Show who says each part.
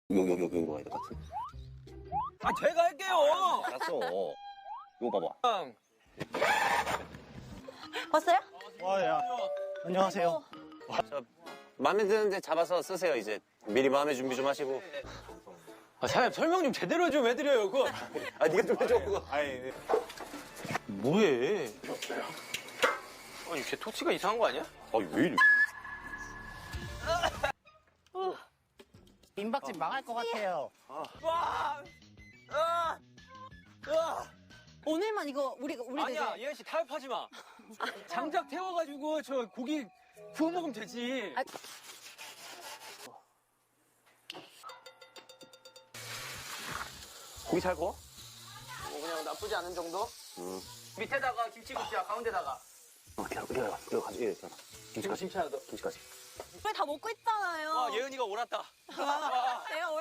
Speaker 1: 여기로 가야 될 것 같은데.
Speaker 2: 아, 제가 할게요.
Speaker 1: 알았어. 이거 봐봐.
Speaker 3: 봤어요?
Speaker 4: 와, 야. 안녕하세요.
Speaker 1: 저 마음에 드는데 잡아서 쓰세요 이제. 미리 마음의 준비 좀 하시고.
Speaker 2: 아, 사장님 설명 좀 제대로 좀 해드려요, 그거.
Speaker 1: 아 네가 좀 해줘 그거.
Speaker 4: 아니,
Speaker 2: 뭐해? 아니, 걔 토치가 이상한 거 아니야?
Speaker 1: 아왜 이래?
Speaker 4: 민박집 망할 것 같아요.
Speaker 3: 오늘만 이거 우리가
Speaker 2: 아니야, 예은 씨 타협하지 마. 장작 태워가지고 저 고기 구워 먹으면 되지.
Speaker 3: 아.
Speaker 1: 고기 잘 구워?
Speaker 2: 뭐 그냥 나쁘지 않은 정도? 밑에다가 김치 굽자, 가운데다가.
Speaker 1: 이거 가지. 예, 김치까지.
Speaker 2: 김치 하나 더.
Speaker 1: 김치까지.
Speaker 3: 우리 다 먹고 있잖아요.
Speaker 2: 와, 예은이가 옳았다.
Speaker 3: 내가